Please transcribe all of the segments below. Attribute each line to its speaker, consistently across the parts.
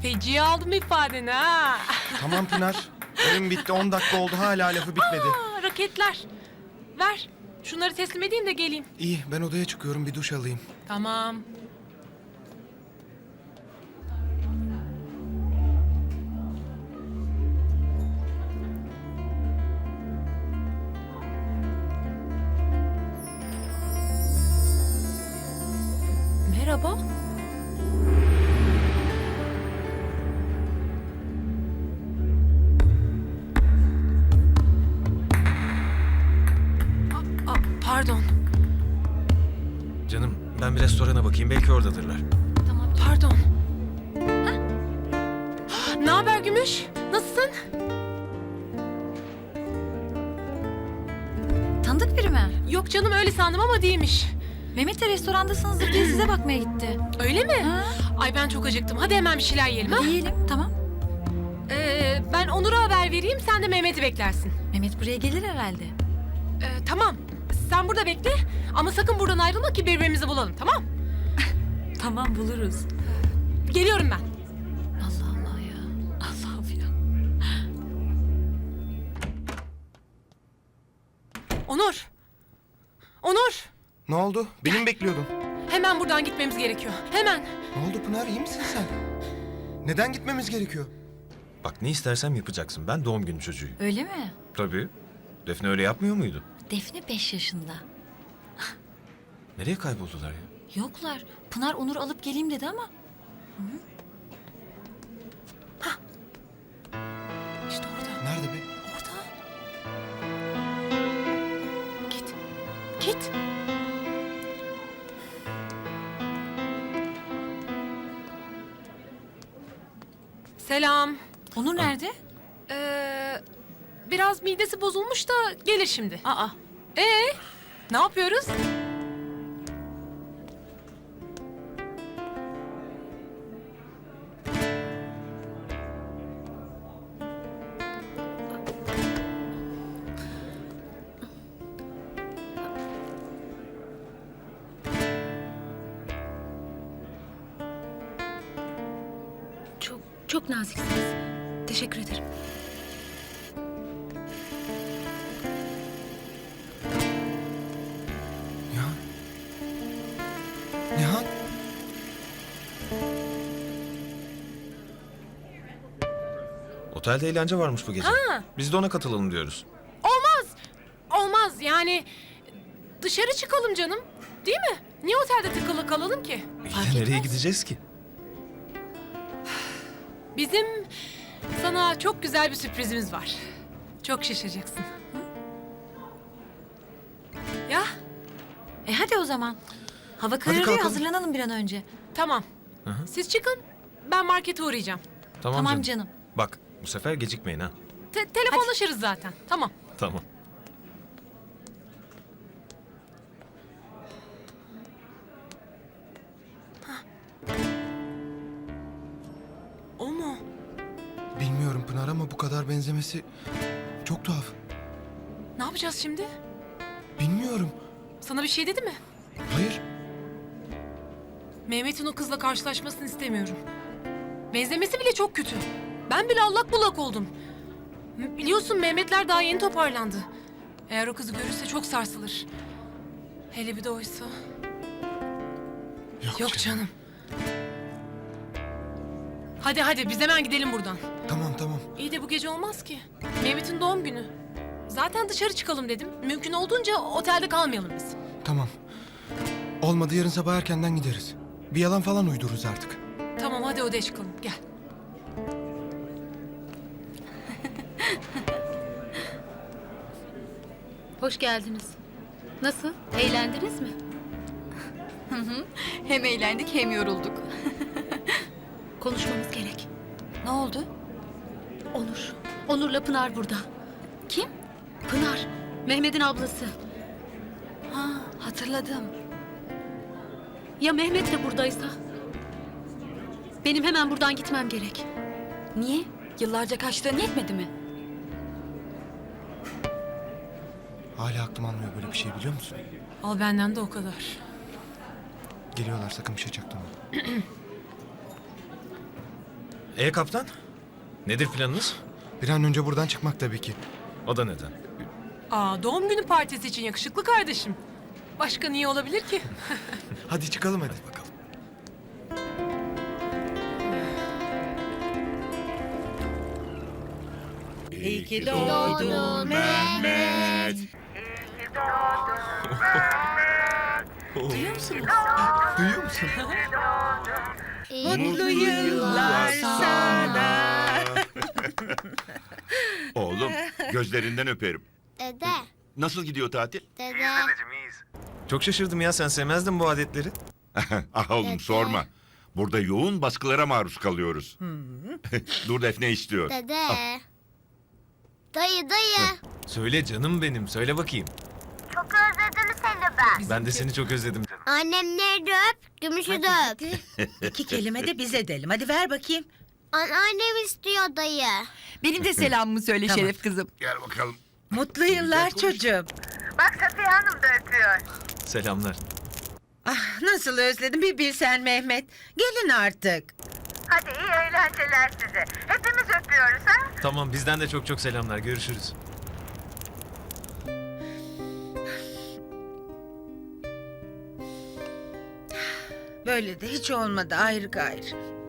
Speaker 1: Feci'ye aldım ifadeni ha.
Speaker 2: Tamam Pınar. Oyun bitti 10 dakika oldu hala lafı bitmedi.
Speaker 1: Raketler. Ver. Şunları teslim edeyim de geleyim.
Speaker 2: İyi ben odaya çıkıyorum bir duş alayım.
Speaker 1: Tamam. Merhaba. Pardon.
Speaker 3: Canım ben bir restorana bakayım belki oradadırlar.
Speaker 1: Tamam, pardon. Ne haber Gümüş? Nasılsın?
Speaker 4: Tanıdık biri mi?
Speaker 1: Yok canım öyle sandım ama değilmiş.
Speaker 4: Mehmet de restorandasınızdır diye size bakmaya gitti.
Speaker 1: Öyle mi?
Speaker 4: Ha?
Speaker 1: Ay ben çok acıktım. Hadi hemen bir şeyler yiyelim ha.
Speaker 4: Yiyelim, tamam.
Speaker 1: Ben Onur'a haber vereyim. Sen de Mehmet'i beklersin.
Speaker 4: Mehmet buraya gelir herhalde.
Speaker 1: Tamam. Sen burada bekle. Ama sakın buradan ayrılma ki birbirimizi bulalım. Tamam?
Speaker 4: Tamam, buluruz.
Speaker 1: Geliyorum ben.
Speaker 4: Allah Allah ya. Allah'ım ya.
Speaker 1: Onur. Onur.
Speaker 2: Ne oldu? Beni mi bekliyordun?
Speaker 1: Hemen buradan gitmemiz gerekiyor. Hemen.
Speaker 2: Ne oldu Pınar iyi misin sen? Neden gitmemiz gerekiyor?
Speaker 3: Bak ne istersem yapacaksın. Ben doğum günü çocuğuyum.
Speaker 4: Öyle mi?
Speaker 3: Tabii. Defne öyle yapmıyor muydu?
Speaker 4: Defne 5 yaşında.
Speaker 3: Nereye kayboldular ya?
Speaker 4: Yoklar. Pınar Onur'u alıp geleyim dedi ama.
Speaker 1: İşte orada.
Speaker 2: Nerede be?
Speaker 1: Orada. Git. Git. Selam.
Speaker 4: Onur nerede?
Speaker 1: Biraz midesi bozulmuş da gelir şimdi.
Speaker 4: Aa.
Speaker 1: Ne yapıyoruz?
Speaker 5: Çok naziksiniz. Teşekkür ederim.
Speaker 2: Nihan. Nihan.
Speaker 3: Otelde eğlence varmış bu gece.
Speaker 1: Ha.
Speaker 3: Biz de ona katılalım diyoruz.
Speaker 1: Olmaz yani dışarı çıkalım canım. Değil mi? Niye otelde tıkılı kalalım ki?
Speaker 3: İyi de nereye gideceğiz ki?
Speaker 1: Bizim sana çok güzel bir sürprizimiz var. Çok şaşıracaksın. Ya
Speaker 4: Hadi o zaman. Hava kararıyor,
Speaker 2: kalkalım.
Speaker 4: hazırlanalım bir an önce.
Speaker 1: tamam. Siz çıkın. Ben markete uğrayacağım.
Speaker 4: Tamam canım.
Speaker 3: Bak bu sefer gecikmeyin ha.
Speaker 1: Telefonlaşırız zaten. Tamam.
Speaker 3: Tamam.
Speaker 1: O mu?
Speaker 2: Bilmiyorum Pınar ama bu kadar benzemesi çok tuhaf.
Speaker 1: Ne yapacağız şimdi?
Speaker 2: Bilmiyorum.
Speaker 1: Sana bir şey dedi mi?
Speaker 2: Hayır.
Speaker 1: Mehmet'in o kızla karşılaşmasını istemiyorum. Benzemesi bile çok kötü. Ben bile allak bullak oldum. Biliyorsun Mehmetler daha yeni toparlandı. Eğer o kızı görürse çok sarsılır. Hele bir de oysa. Yok canım. Hadi biz hemen gidelim buradan.
Speaker 2: Tamam.
Speaker 1: İyi de bu gece olmaz ki. Mehmet'in doğum günü. Zaten dışarı çıkalım dedim. Mümkün olduğunca otelde kalmayalım biz.
Speaker 2: Tamam. Olmadı yarın sabah erkenden gideriz. Bir yalan falan uydururuz artık.
Speaker 1: Tamam hadi odaya çıkalım. Gel.
Speaker 5: Hoş geldiniz. Nasıl? Eğlendiniz mi?
Speaker 4: Hem eğlendik hem yorulduk.
Speaker 5: Konuşmamız gerek.
Speaker 4: Ne oldu?
Speaker 5: Onur. Onur'la Pınar burada.
Speaker 4: Kim?
Speaker 5: Pınar. Mehmet'in ablası.
Speaker 4: Ha, hatırladım.
Speaker 5: Ya Mehmet de buradaysa? Benim hemen buradan gitmem gerek.
Speaker 4: Niye? Yıllarca kaçtığın yetmedi mi?
Speaker 2: Hala aklım almıyor böyle bir şey biliyor musun?
Speaker 1: Al benden de o kadar.
Speaker 2: Geliyorlar sakın bir şey çaktırma.
Speaker 3: Kaptan? Nedir planınız?
Speaker 2: Bir an önce buradan çıkmak tabii ki.
Speaker 3: O da neden?
Speaker 1: Aa, doğum günü partisi için yakışıklı kardeşim. Başka niye olabilir ki?
Speaker 2: Hadi çıkalım hadi.
Speaker 3: Bakalım.
Speaker 6: İyi ki doğdun Mehmet.
Speaker 2: Duyuyor musun?
Speaker 6: Mutlu yıllar sana.
Speaker 7: Oğlum gözlerinden öperim.
Speaker 8: Dede,
Speaker 7: Nasıl gidiyor tatil?
Speaker 8: dede,
Speaker 3: Çok şaşırdım ya, sen sevmezdin bu adetleri.
Speaker 7: Ah oğlum sorma. Burada yoğun baskılara maruz kalıyoruz. Dur Defne istiyor.
Speaker 8: dede. Dayı.
Speaker 3: Söyle canım benim, söyle bakayım.
Speaker 8: Çok özledim seni ben.
Speaker 3: Ben de seni çok özledim.
Speaker 8: Annemleri de öp, gümüşü de öp.
Speaker 6: İki kelime de biz edelim. Hadi ver bakayım.
Speaker 8: Anneannem istiyor dayı.
Speaker 9: Benim de selamımı söyle Şeref kızım.
Speaker 7: Gel bakalım.
Speaker 6: Mutlu yıllar çocuğum.
Speaker 3: Selamlar.
Speaker 6: Ah nasıl özledim bir bilsen Mehmet. Gelin artık.
Speaker 10: Hadi iyi eğlenceler size. Hepimiz öpüyoruz ha.
Speaker 3: Tamam, bizden de çok çok selamlar. Görüşürüz.
Speaker 6: Böyle de hiç olmadı ayrı gayrı.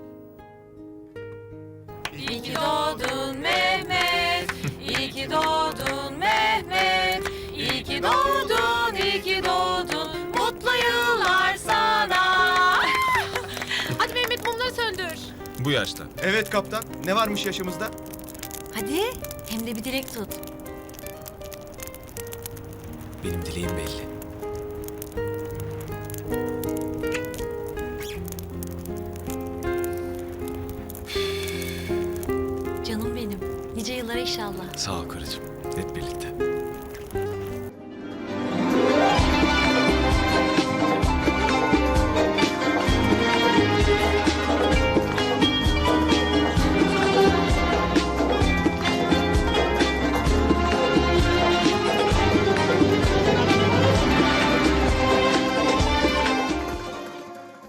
Speaker 1: İyi ki doğdun Mehmet. İyi ki doğdun Mehmet. İyi ki doğdun, iyi ki doğdun. Mutlu yıllar sana. Hadi Mehmet, mumları söndür.
Speaker 3: Bu yaşta.
Speaker 2: Evet kaptan. Ne varmış yaşımızda?
Speaker 4: Hadi hem de bir dilek tut.
Speaker 3: Benim dileğim belli.
Speaker 4: Canım benim. Nice yıllara inşallah.
Speaker 3: Sağ ol karıcığım. Hep birlikte.